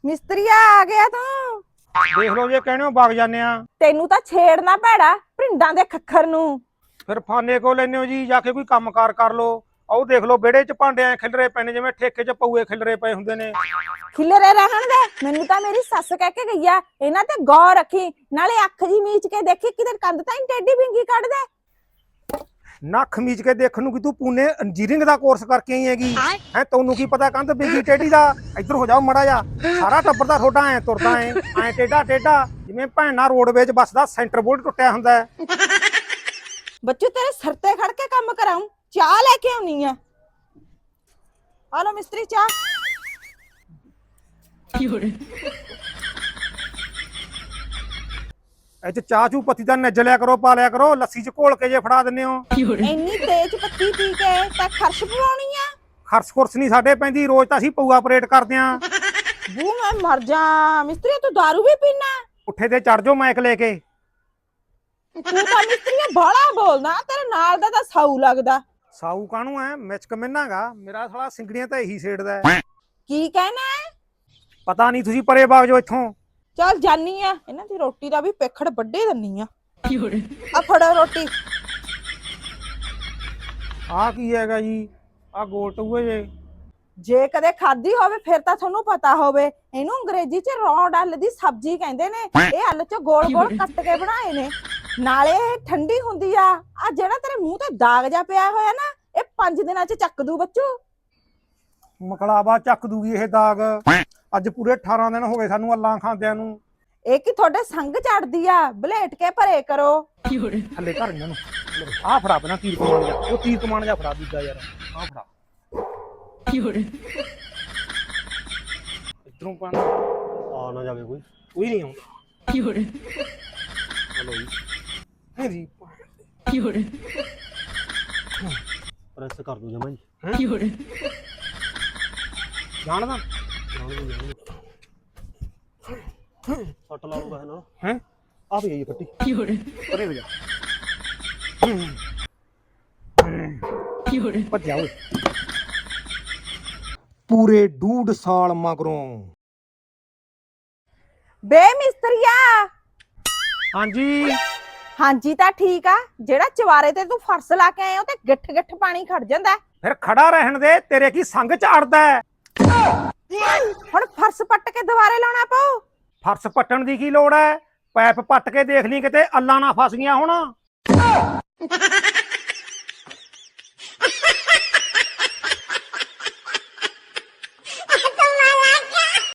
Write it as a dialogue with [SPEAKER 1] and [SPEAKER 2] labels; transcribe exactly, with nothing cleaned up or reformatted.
[SPEAKER 1] ਮਿਸਤਰੀਆ ਆ ਗਿਆ ਤੂੰ।
[SPEAKER 2] ਦੇਖ ਲਓ ਜੇ ਕਹਿਣੇ ਹੋ ਵਗ ਜਾਂਦੇ ਆ।
[SPEAKER 1] ਤੈਨੂੰ ਤਾਂ ਛੇੜਨਾ ਭੈੜਾ ਭਿੰਡਾਂ ਦੇ ਖੱਖਰ ਨੂੰ।
[SPEAKER 2] ਫਿਰ ਫਾਨੇ ਕੋ ਲੈਨੇ ਹੋ ਜੀ, ਜਾ ਕੇ ਕੋਈ ਕੰਮਕਾਰ ਕਰ ਲੋ। ਆਓ ਦੇਖ ਲਓ ਵਿਹੜੇ 'ਚ ਭਾਂਡੇ ਐ ਖਿਲਰੇ ਪਏ ਨੇ, ਜਿਵੇਂ ਠੇਕੇ 'ਚ ਪਊਏ ਖਿਲਰੇ ਪਏ ਹੁੰਦੇ ਨੇ।
[SPEAKER 1] ਖਿਲਰੇ ਰਹਿਣ ਦੇ। ਮੈਨੂੰ ਤਾਂ ਮੇਰੀ ਸੱਸ ਕਹਿ ਕੇ ਗਈ ਆ ਇਹਨਾਂ ਤੇ ਗੌਰ ਰੱਖੀ, ਨਾਲੇ ਅੱਖ ਜੀ ਮੀਚ ਕੇ ਦੇਖੀ ਕਿਤੇ ਕੰਧ ਤਾਂ ਨੀ ਟੇਢੀ ਬਿੰਗੀ ਕੱਢ ਦੇ।
[SPEAKER 2] ਨੱਖ ਮੀਚ ਕੇ ਦੇਖਣ ਨੂੰ ਕਿ ਤੂੰ ਪੂਨੇ ਇੰਜੀਨੀਅਰਿੰਗ ਦਾ ਕੋਰਸ ਕਰਕੇ ਆਈ ਹੈਗੀ ਹੈ। ਤੈਨੂੰ ਕੀ ਪਤਾ ਕੰਧ ਬਿੰਗੀ ਟੇਢੀ ਦਾ। ਇੱਧਰ ਹੋ ਜਾਓ ਮੜਾ ਜਾ। ਸਾਰਾ ਟੱਬਰ ਦਾ ਤੁਹਾਡਾ ਐ ਤੁਰਦਾ ਐ ਐ ਟੇਢਾ ਟੇਢਾ, ਜਿਵੇਂ ਭੈਣਾ ਰੋਡਵੇਜ ਬੱਸ ਦਾ ਸੈਂਟਰ ਬੋਲਟ ਟੁੱਟਿਆ ਹੁੰਦਾ ਹੈ।
[SPEAKER 1] ਬੱਚੂ ਤੇਰੇ ਸਿਰ ਤੇ ਖੜ ਕੇ ਕੰਮ ਕਰਾਉਂ, ਚਾਹ ਲੈ ਕੇ ਆਉਣੀ ਆ। ਆ ਲੋ ਮਿਸਤਰੀ ਚਾਹ।
[SPEAKER 2] ਇਹ ਚ ਚਾਹ ਚੂ ਪੱਤੀ ਦਾ ਨੱਜ ਲਿਆ ਕਰੋ, ਪਾ ਲਿਆ ਕਰੋ। ਲੱਸੀ ਚ ਘੋਲ ਕੇ ਜੇ ਫੜਾ ਦਿੰਦੇ ਹੋ।
[SPEAKER 1] ਇੰਨੀ ਤੇਜ਼ ਪੱਤੀ ਪੀ ਕੇ ਤਾਂ ਖਰਸ਼ ਪਵਾਉਣੀ ਆ।
[SPEAKER 2] ਖਰਸ ਖੁਰਸ ਨਹੀਂ ਸਾਡੇ ਪੈਂਦੀ, ਰੋਜ਼ ਤਾਂ ਅਸੀਂ ਪਊਆ ਆਪਰੇਟ ਕਰਦੇ ਆਂ।
[SPEAKER 1] ਬੂ ਮੈਂ ਮਰ ਜਾ। ਮਿਸਤਰੀ ਤੂੰ ਦਾਰੂ ਵੀ ਪੀਣਾ?
[SPEAKER 2] ਉੱਠੇ ਤੇ ਚੜ ਜਾਓ ਮਾਈਕ ਲੈ ਕੇ।
[SPEAKER 1] ਤੂੰ ਤਾਂ ਮਿਸਤਰੀ ਬਾਹਲਾ ਬੋਲਦਾ, ਤੇਰੇ ਨਾਲ ਦਾ ਤਾਂ ਸਾਊ ਲੱਗਦਾ।
[SPEAKER 2] ਸਾਊ ਕਾਹਨੂੰ ਐ, ਮਿਚਕ ਮਿੰਨਾਗਾ ਮੇਰਾ ਸਾਲਾ ਸਿੰਗੜੀਆਂ ਤਾਂ ਇਹੀ ਛੇੜਦਾ ਹੈ।
[SPEAKER 1] ਕੀ ਕਹਿਣਾ?
[SPEAKER 2] ਪਤਾ ਨਹੀਂ, ਤੁਸੀਂ ਪਰੇ ਬਾਗ ਜੋ ਇੱਥੋਂ।
[SPEAKER 1] ਚੱਲ ਜਾਨੀ ਆ, ਇਹਨਾਂ ਦੀ ਰੋਟੀ ਦਾ ਵੀ ਪੇਖੜ ਵੱਡੇ ਦੰਨੀ ਆ। ਆ ਫੜੋ ਰੋਟੀ।
[SPEAKER 2] ਆਹ ਕੀ ਹੈਗਾ ਜੀ? ਆਹ ਗੋਲ ਟੂਏ ਜੇ।
[SPEAKER 1] ਜੇ ਕਦੇ ਖਾਧੀ ਹੋਵੇ ਫਿਰ ਤਾਂ ਤੁਹਾਨੂੰ ਪਤਾ ਹੋਵੇ। ਇਹਨੂੰ ਅੰਗਰੇਜ਼ੀ ਚ ਰੌਂਡ ਅੱਲ ਦੀ ਸਬਜ਼ੀ ਕਹਿੰਦੇ ਨੇ। ਇਹ ਅੱਲ ਚ ਗੋਲ ਗੋਲ ਕੱਟ ਕੇ ਬਣਾਏ ਨੇ, ਨਾਲੇ ਇਹ ਠੰਡੀ ਹੁੰਦੀ ਆ। ਆ ਜਿਹੜਾ ਤੇਰੇ ਮੂੰਹ ਤੇ ਦਾਗ ਜਾ ਪਿਆ ਹੋਇਆ ਨਾ, ਇਹ ਪੰਜ ਦਿਨਾਂ ਚ ਚੱਕ ਦੂ ਬੱਚੂ।
[SPEAKER 2] ਮਕਲਾਵਾ ਚੱਕ ਦੂਗੀ ਇਹ ਦਾਗ। ਅੱਜ ਪੂਰੇ ਅਠਾਰਾਂ ਦਿਨ ਹੋ ਗਏ ਸਾਨੂੰ ਅੱਲਾਂ ਖਾਂਦਿਆਂ ਨੂੰ।
[SPEAKER 1] ਇਹ ਕੀ ਤੁਹਾਡੇ ਸੰਗ ਚੜਦੀ ਆ, ਬਲੇਟ ਕੇ ਭਰੇ ਕਰੋ।
[SPEAKER 2] ਥੱਲੇ ਘਰ ਇਹਨਾਂ ਨੂੰ ਆਹ ਫੜਾ ਪਹਿਲਾਂ ਤੀਰ ਕਮਾਨ ਜਾ। ਉਹ ਤੀਰ ਕਮਾਨ ਜਾ ਫੜਾ ਦੂਜਾ ਯਾਰ, ਆਹ ਫੜਾ। ਇਧਰੋਂ ਪਾਣਾ ਆ ਨਾ ਜਾਵੇ ਕੋਈ। ਕੋਈ ਨਹੀਂ ਆਉਂਦਾ। ਹਲੋ ਜੀ ਮੇਰੀ
[SPEAKER 3] ਪ੍ਰੈਸ ਕਰ ਦੋ ਜਮਾ ਜੀ।
[SPEAKER 2] ਜਾਣਦਾ
[SPEAKER 3] ਸੱਟ ਲਾਊਗਾ ਹੈ ਨਾ।
[SPEAKER 2] ਹੈ
[SPEAKER 3] ਆ ਵੀ ਗਈ ਪੱਟੀ।
[SPEAKER 2] ਪਰੇ ਹੋ ਜਾ। ਭੱਜਿਆ ਓਏ। ਪੂਰੇ ਡੂਢ ਸਾਲ ਮਗਰੋਂ।
[SPEAKER 1] ਬੇ ਮਿਸਤਰੀਆ।
[SPEAKER 2] ਹਾਂਜੀ
[SPEAKER 1] ਹਾਂਜੀ ਤਾਂ ਠੀਕ ਆ। ਜਿਹੜਾ ਚਵਾਰੇ ਤੇ ਤੂੰ ਫਰਸ਼ ਲਾ ਕੇ ਆਇਆ ਉਹ ਤੇ ਗਿੱਠ ਗਿੱਠ ਪਾਣੀ ਖੜ ਜਾਂਦਾ।
[SPEAKER 2] ਫਿਰ ਖੜਾ ਰਹਿਣ ਦੇ, ਤੇਰੇ ਕੀ ਸੰਗ ਝਾੜਦਾ ਹੈ।
[SPEAKER 1] ਹੁਣ ਫਰਸ਼ ਪੱਟ ਕੇ ਦੁਬਾਰੇ ਲਾਉਣਾ ਪਊ।
[SPEAKER 2] ਫਰਸ਼ ਪੱਟਣ ਦੀ ਕੀ ਲੋੜ ਹੈ? ਪੈਪ ਪੱਟ ਕੇ ਦੇਖ ਲਈ ਕਿਤੇ ਅੱਲਾਂ ਨਾ ਫਸ ਗਈਆਂ ਹੁਣ।